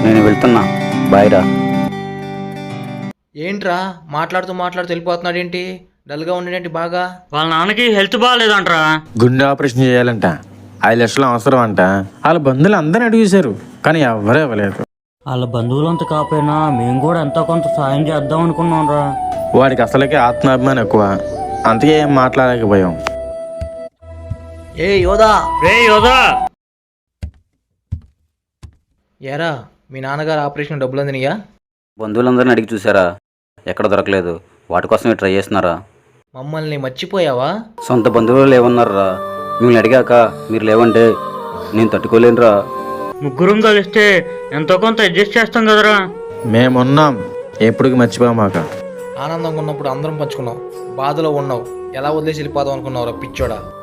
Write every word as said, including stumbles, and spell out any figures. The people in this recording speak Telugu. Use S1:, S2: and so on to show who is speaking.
S1: నేను వెళ్తున్నా, బాయ్ రా.
S2: ఏంట్రా మాట్లాడుతూ మాట్లాడుతూ వెళ్ళిపోతున్నాడు ఏంటి? డల్గా ఉండేంటి బాగా?
S3: వాళ్ళ నాన్నకి హెల్త్ బాగాలేదంట్రా.
S4: గుండె ఆపరేషన్ చేయాలంట, ఐదు లక్షలు అవసరం అంట. వాళ్ళ బంధువులు అందరిని అడిగేశారు కానీ ఎవరే ఇవ్వలేదు.
S3: వాళ్ళ బంధువులంతా కాకపోయినా మేము కూడా ఎంతో కొంత సాయం చేద్దాం అనుకున్నాం రా.
S4: వాడికి అసలుకే ఆత్మాభిమానం ఎక్కువ, అందుకే ఏం మాట్లాడలేకపోయాం.
S2: ఏ యోదా,
S3: రే యోదా,
S2: ఏరా మీ నాన్నగారు ఆపరేషన్ డబ్బులు అందినయా?
S1: బంధువులందరిని అడిగి చూసారా, ఎక్కడ దొరకలేదు. వాటి కోసమే ట్రై చేస్తున్నారా?
S2: మమ్మల్ని మర్చిపోయావా?
S1: సొంత బంధువులు లేవన్నారా? మిమ్మల్ని అడిగాక మీరు లేవంటే నేను తట్టుకోలేనురా.
S3: ముగ్గురం కలిస్తే ఎంతో కొంత అడ్జస్ట్ చేస్తాం కదరా.
S4: మేమున్నాం, ఎప్పటికి మర్చిపోమాక.
S2: ఆనందంగా ఉన్నప్పుడు అందరం పంచుకున్నాం, బాధలో ఉన్నావు ఎలా వదిలేసి వెళ్ళిపోదాం అనుకున్నావురా పిచ్చోడా?